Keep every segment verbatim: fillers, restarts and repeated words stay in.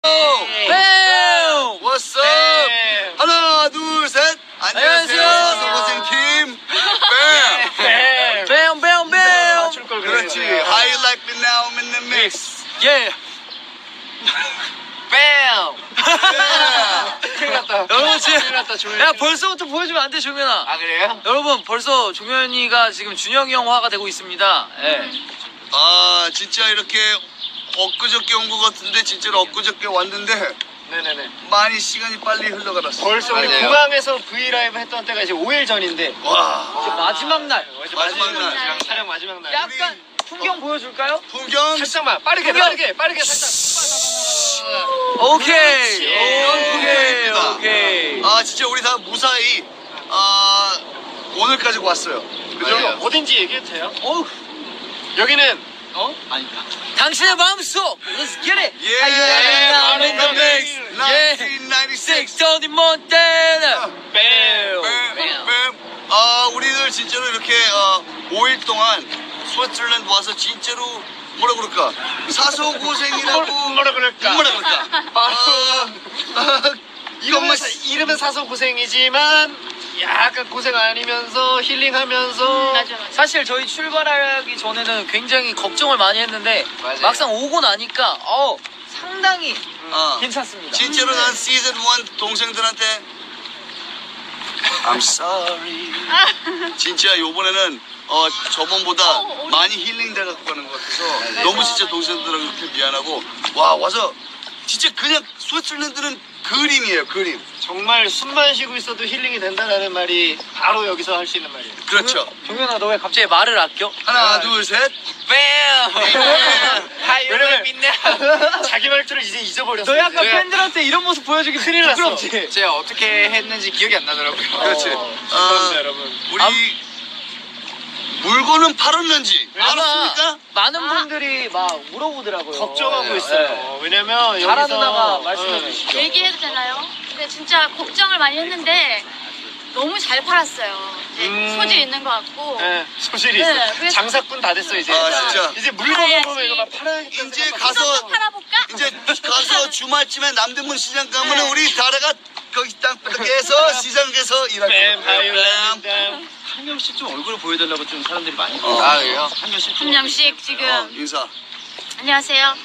뱀! What's up? 하나, 둘, 셋. 안녕하세요. 사서고생팀. 뱀. 뱀, 뱀, 뱀! 그렇지. How you like me now? I'm in the mix. 예. 뱀! 큰일 났다. 여러분 지금 큰일 났다, 조현이. 야 벌써부터 보여주면 안 돼, 종현아. 아, 그래요? 여러분 벌써 종현이가 지금 준영이 형화가 되고 있습니다. 예. 아, 진짜 이렇게 엊그저께 온 것 같은데 진짜로 엊그저께 왔는데 네네네. 많이 시간이 빨리 흘러가았어. 벌써 우리 맞아요. 공항에서 브이라이브 했던 때가 이제 오 일 전인데. 와. 이제 마지막 날. 어제 마지막 마지막 날. 날. 촬영 마지막 날. 약간 풍경 보여줄까요? 풍경. 살짝만 빠르게 풍경. 빠르게 빠르게 살짝. 오케이. 이런 오케이. 풍경입니다. 오케이. 아, 진짜 우리 다 무사히 아 오늘까지 왔어요. 그죠? 여기 어딘지 얘기해도 돼요? 어우. 여기는 어? 아니다. 당신의 마음속. Let's get it. 예. How you like me now? I'm in the mix. Yeah. 천구백구십육. Tony Montana. 뱀. 뱀, 뱀. 아, 우리들 진짜로 이렇게 어, 오 일 동안 스위스랜드 와서 진짜로 뭐라 그럴까? 사소고생이라고 뭐라 그럴까? 뭐라 그럴까? 아, 아, 이름은, 이것만 사, 이름은 사서 고생이지만 약간 고생 아니면서 힐링하면서. 맞아, 맞아. 사실 저희 출발하기 전에는 굉장히 걱정을 많이 했는데 맞아요. 막상 오고 나니까 어 상당히 어, 괜찮습니다. 진짜로 난 시즌 일 동생들한테 I'm sorry. 진짜 요번에는 어, 저번보다 어, 많이 힐링돼 갖고 가는 것 같아서 너무 진짜 동생들하고 이렇게 미안하고 와 와서 진짜 그냥 스위스랜드는 그림이에요, 그림. 정말 숨만 쉬고 있어도 힐링이 된다라는 말이 바로 여기서 할 수 있는 말이에요. 그렇죠. 종현아 너 왜 갑자기 말을 아껴? 하나, 둘, 셋. 뱀. 왜냐면 자기 말투를 이제 잊어버렸어. 너 약간 이제. 팬들한테 이런 모습 보여주기 큰일 났어. 부끄럽지? 제가 어떻게 했는지 기억이 안 나더라고요. 그렇지. 어, 아, 죄송합니다, 여러분. 우리 암- 물건은 팔았는지 아마 알았습니까? 많은 아. 분들이 막 물어보더라고요. 걱정하고 네, 있어요. 네. 왜냐면 잘하는 여기서 누나가 말씀해 네. 주시죠. 얘기해도 되나요? 근데 진짜 걱정을 많이 했는데 너무 잘 팔았어요. 이제 음. 소질 있는 것 같고. 네, 소질이 네, 있어. 그래서- 장사꾼 다 됐어 이제. 아, 진짜. 이제 물건 팔아야지. 보면 이거 막 팔아야겠다. 이제 생각하고. 가서 또 팔아볼까? 이제 가서 주말쯤에 남대문 시장 가면 네. 우리 다라가 거기 땅바닥에서 시장에서 일할 뱀, 거예요. 바이올린, 뱀. 한 명씩 좀 얼굴 보여달라고 좀 사람들이 많이. 어. 아, 그래요? 한 명씩. 한 명씩 지금. 어, 인사. 안녕하세요.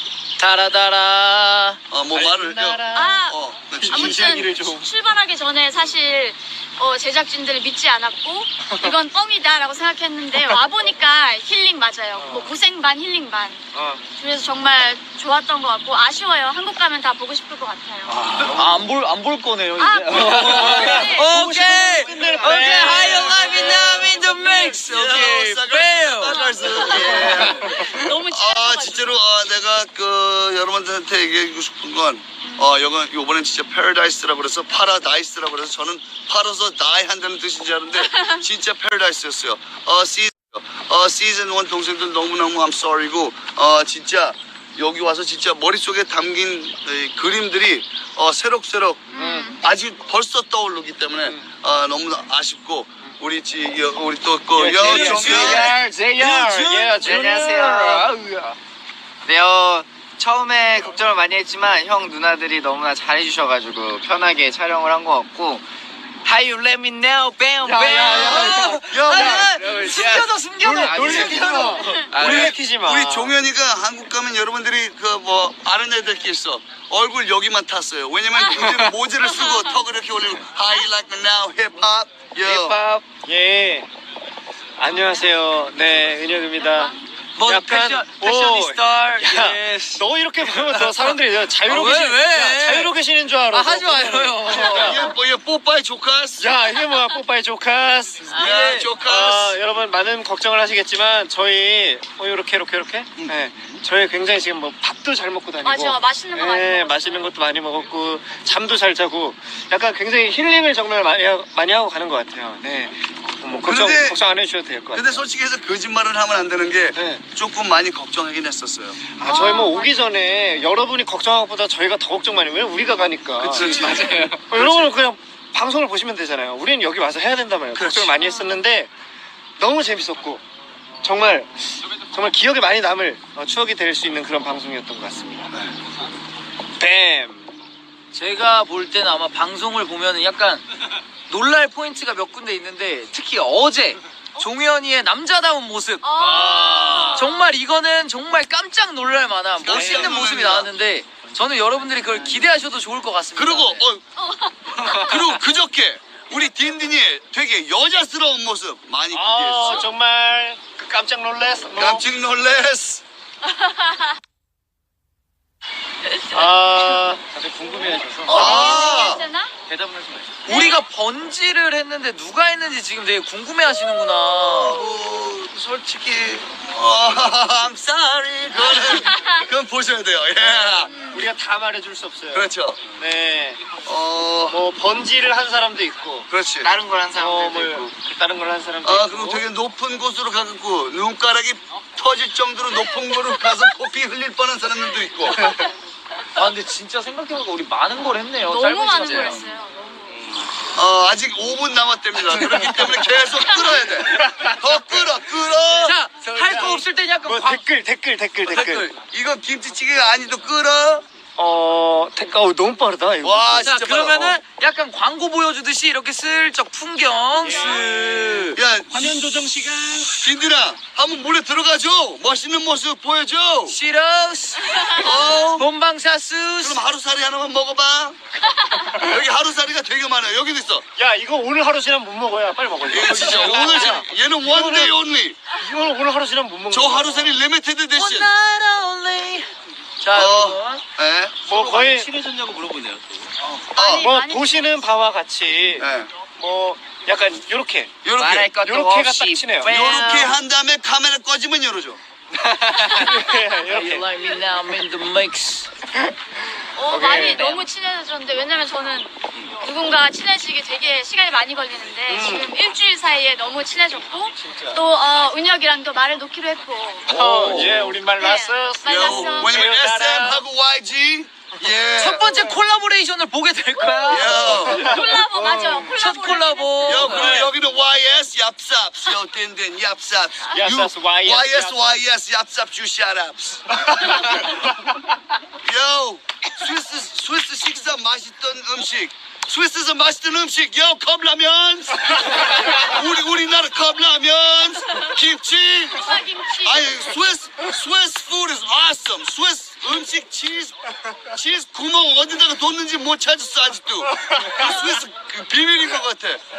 다라다라. 어, 뭐 말을. 아, 어, 네. 이야기를 아무튼 좀. 출발하기 전에 사실 어, 제작진들을 믿지 않았고 이건 뻥이다라고 생각했는데 와보니까 힐링 맞아요. 뭐 고생 반 힐링 반. 어. 그래서 정말 좋았던 것 같고 아쉬워요. 한국 가면 다 보고 싶을 것 같아요. 아, 안 볼, 안 볼 거네요, 이제. 아, 네. 오케이! 끝낼 오케이, 뻔. how you like me now in the mix? 오케이, 뱀! 예. 너무 아, 친해가지고. 진짜로 아, 내가 그 여러분들한테 얘기하고 싶은 건 어, 요건 요번엔 진짜 패러다이스라고 그래서 파라다이스라고 그래서 저는 팔아서 다이 한다는 뜻인 줄 알았는데 진짜 패러다이스였어요. 어, 시즌 어, 시즌 일 동생들 너무너무 I'm sorry고 어, 진짜 여기 와서 진짜 머릿속에 담긴 이 그림들이 어, 새록새록 음. 아직 벌써 떠오르기 때문에 어, 너무 아쉽고 우리 지 여, 우리 또그 예, 여종현 제이알, 제이알. 예, 네, 안녕하세요. 네, 어, 처음에 걱정을 많이 했지만 형 누나들이 너무나 잘해주셔가지고 편하게 촬영을 한 것 같고 How you let me know, bam, 야, bam. 야, 야, 야, 야, 숨겨져, 숨겨져. 아니, 놀래키지 마. 아, 우리 놀래키지 마. 우리 종현이가 한국 가면 여러분들이 그 뭐 아는 애들끼리 있어 얼굴 여기만 탔어요. 왜냐면 요즘 모자를 쓰고 턱을 이렇게 올리고 How you like me now, 힙합, yo. 힙합. 예. 안녕하세요. 네, 은혁입니다. 뭐, 약간- 패션, 오, 패셔니스타, 야, 예스. 너 이렇게 보면 더 사람들이 자유로 아, 왜, 계시, 왜? 야, 자유로 계시는 줄 알아. 아, 하지 너 마요. 보면은. 이게 뭐 이게 뽀빠이 조카스. 야, 이게 뭐야, 뽀빠이 조카스. 야, 예. 조카스. 아, 여러분 많은 걱정을 하시겠지만 저희 어 이렇게 이렇게 이렇게 네, 저희 굉장히 지금 뭐 밥도 잘 먹고 다니고 맞아, 맛있는 거 많이 네, 먹었어요. 맛있는 것도 많이 먹었고 잠도 잘 자고 약간 굉장히 힐링을 정말 많이, 하, 많이 하고 가는 것 같아요. 네, 뭐 걱정 그런데- 걱정 안 해주셔도 될 것 같아요. 근데 솔직히 해서 거짓말을 하면 안 되는 게 네. 조금 많이 걱정하긴 했었어요. 아, 저희 뭐 오기 전에 여러분이 걱정한 것보다 저희가 더 걱정 많이 해요. 왜냐면 우리가 가니까. 그치, 맞아요. 어, 여러분은 그냥 방송을 보시면 되잖아요. 우리는 여기 와서 해야 된단 말이에요. 그렇지. 걱정을 많이 했었는데 너무 재밌었고 정말 정말 기억에 많이 남을 어, 추억이 될 수 있는 그런 방송이었던 것 같습니다. 뱀. 제가 볼 때는 아마 방송을 보면은 약간 놀랄 포인트가 몇 군데 있는데 특히 어제 종현이의 남자다운 모습 어. 정말 이거는 정말 깜짝 놀랄 만한 멋있는 깜짝 모습이 놀랍니다. 나왔는데 저는 여러분들이 그걸 기대하셔도 좋을 것 같습니다. 그리고 네. 어, 그리고 그저께 우리 딘딘이 되게 여자스러운 모습 많이 아 기대했어요. 정말 그 깜짝 놀랐어. 깜짝 놀랬어. 아 다들 궁금해하셔서 어, 아. 되나? 대답을 하지 마세요. 우리가 번지를 했는데 누가 했는지 지금 되게 궁금해하시는구나. 어, 솔직히 어, I'm sorry. 그거는 그건 보셔야 돼요. 예. 우리가 다 말해줄 수 없어요. 그렇죠. 네. 어, 뭐 번지를 한 사람도 있고, 그렇지. 다른 걸 한 어, 사람들도 뭐 있고. 다른 걸 한 사람도 아, 있고. 그리고 되게 높은 곳으로 가고 눈가락이 터질 정도로 높은 곳으로 가서 코피 흘릴 뻔한 사람들도 있고. 아 근데 진짜 생각해보니까 우리 많은 걸 했네요. 너무 짧은 많은 시간에. 걸 했어요. 너무. 어, 아직 오 분 남았답니다. 그렇기 때문에 계속 끌어야 돼. 더 끌어, 끌어. 자, 할 거 없을 땐 약간 뭐 광- 댓글 댓글 댓글 댓글. 댓글. 이거 김치찌개가 아니도 끌어. 어 댓글 어, 너무 빠르다 이거. 와, 자 진짜 그러면은 빨라. 약간 광고 보여주듯이 이렇게 슬쩍 풍경 슥 어. 야, 화면 조정 시간. 딘딘아, 한번 물에 들어가줘. 멋있는 모습 보여줘. 시러스 어. 본방사수스 그럼 하루살이 하나만 먹어봐. 여기 하루살이가 되게 많아요. 여기도 있어. 야 이거 오늘 하루 지나면 못 먹어야 빨리 먹어. 이거 진짜 오늘 지금 얘는 one day only. 이거는 오늘 하루 지나면 못 먹어. 저 하루살이 리미티드 One edition. night only. 자 어, 여러분 예. 뭐 거의 친해졌냐고 물어보네요. 어, 뭐 많이 보시는 바와 같이 예. 뭐 약간 요렇게 말할 요렇게. 것도 요렇게가 딱 없이 치네요. 뺨. 요렇게 한 다음에 카메라 꺼지면 열어줘. You 이렇게. like me now, I'm in the mix. 어, 오케이. 많이 너무 친해졌는데 왜냐면 저는 누군가가 친해지기 되게 시간이 많이 걸리는데 음. 지금 일주일 사이에 너무 친해졌고 또 어, 은혁이랑도 말을 놓기로 했고 어, 예 우리말 네, 났어. 말 요, 났어. 왜냐면 제가 에스엠하고 와이지. 예. 첫 번째 콜라보레이션을 보게 될 거야. 요. 콜라보 맞아요. 콜라보 첫 콜라보. 요, 그리고 네. 여기는 와이에스 얍삽. 요, 딘딘 얍삽. 얍삽, 와이에스, 와이에스, 얍삽. 와이에스, 얍삽 주시아랍스. 요, 스위스, 스위스 식사 맛있던 음식. 스위스에서 맛있던 음식. 요, 컵라면. 우리, 우리나라 컵라면. 김치. 김치. 아니, 스위스, 스위스 food is awesome. 스위스 음식 치즈, 치즈 구멍 어디다가 뒀는지 못 찾았어, 아직도. 그 스위스 그 비밀인 것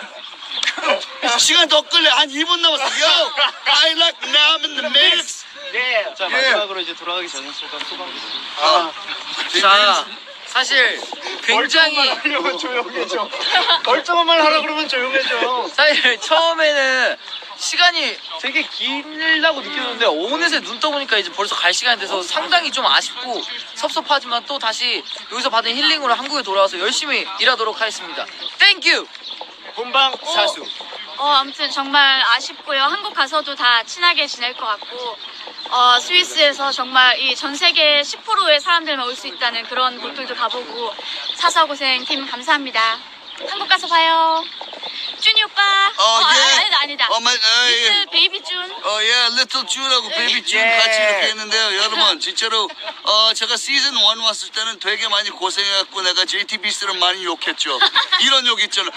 같아. 시간 더 끌래. 한 이 분 남았어. Yo, I like now in the mix. 예. 자 예. 마지막으로 이제 돌아가기 전에 소감 소감. 아, 자 사실 굉장히 하려면 조용해져. 멀쩡한 말 하라 그러면 조용해져. 사실 처음에는 시간이 되게 길다고 느꼈는데 어느새 눈 떠보니까 이제 벌써 갈 시간이 돼서 상당히 좀 아쉽고 섭섭하지만 또 다시 여기서 받은 힐링으로 한국에 돌아와서 열심히 일하도록 하겠습니다. 땡큐! 본방 사수. 어, 아무튼 정말 아쉽고요. 한국 가서도 다 친하게 지낼 것 같고, 어, 스위스에서 정말 이 전 세계 십 퍼센트의 사람들만 올 수 있다는 그런 곳들도 가보고, 사서고생 팀 감사합니다. 한국 가서 봐요. 준이 오빠. 어, 예. 아니, 아니다, 아니다. 어, 마, 어, 예. 리틀 베이비 준. 어, 예, 리틀 준하고 베이비 준 예. 같이 이렇게 했는데요. 여러분, 진짜로, 어, 제가 시즌 일 왔을 때는 되게 많이 고생해갖고 내가 제이티비씨를 많이 욕했죠. 이런 욕 있잖아.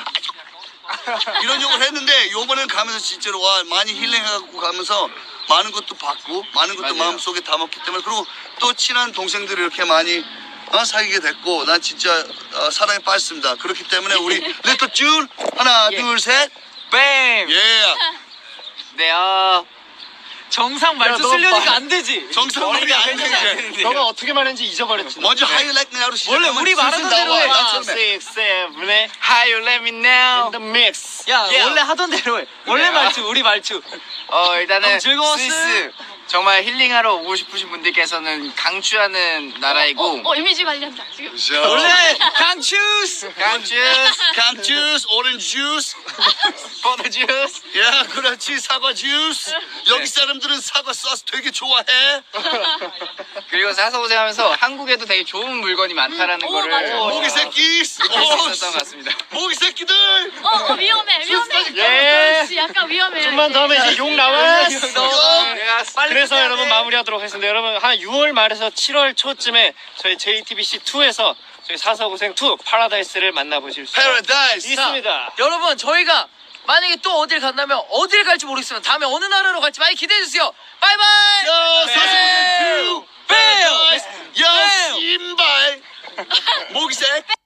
이런 욕을 했는데, 요번엔 가면서 진짜로, 와, 많이 힐링해갖고 가면서 많은 것도 받고, 많은 것도 맞아요. 마음속에 담았기 때문에, 그리고 또 친한 동생들이 이렇게 많이 어, 사귀게 됐고, 난 진짜 어, 사랑에 빠졌습니다. 그렇기 때문에 우리 리틀 준, 하나, 예. 둘, 셋. 뱀! 예. 네, 어, 정상 말투 너 쓰려니까 마- 안 되지. 정상말이 안 되는데. 너가 어떻게 말했는지 잊어버렸지. 먼저 하이라이트 나로 원래 우리 말하던 대로 해. 나 원, 처음에. six, seven에 How you let me know. in the mix. 야 예. 원래 하던 대로 해. 원래 예. 말투 우리 말투. 어, 일단은 너무 즐거웠어. 스위스 정말 힐링하러 오고 싶으신 분들께서는 강추하는 나라이고 어, 어, 이미지 관리한다. 지금. 원래 강추스. 강추스, 강주스, 오렌지 주스. 포도 주스. 야, 그렇지. 사과 주스. 여기 사람들은 사과 소스 되게 좋아해. 그리고 사서고생하면서 한국에도 되게 좋은 물건이 많다라는 음, 오, 거를 맞아. 모기 새끼. 알 수 어, 있었던 것 같습니다. 모기 새끼들. 어, 어, 위험해, 위험해. 예. 어, 약간 위험해. 좀만 더 하면 이제 욕 나와. 너 요. 빨리 그래서 해야 여러분 돼. 마무리하도록 하겠습니다. 여러분 한 유월 말에서 칠월 초쯤에 저희 제이티비씨2에서 저희 사서고생 투 파라다이스를 만나보실 수 Paradise. 있습니다. 여러분 저희가 만약에 또 어딜 간다면 어딜 갈지 모르겠으면 다음에 어느 나라로 갈지 많이 기대해주세요. 바이바이. 야, 사실 뱀! 야, 신발. 목이 세.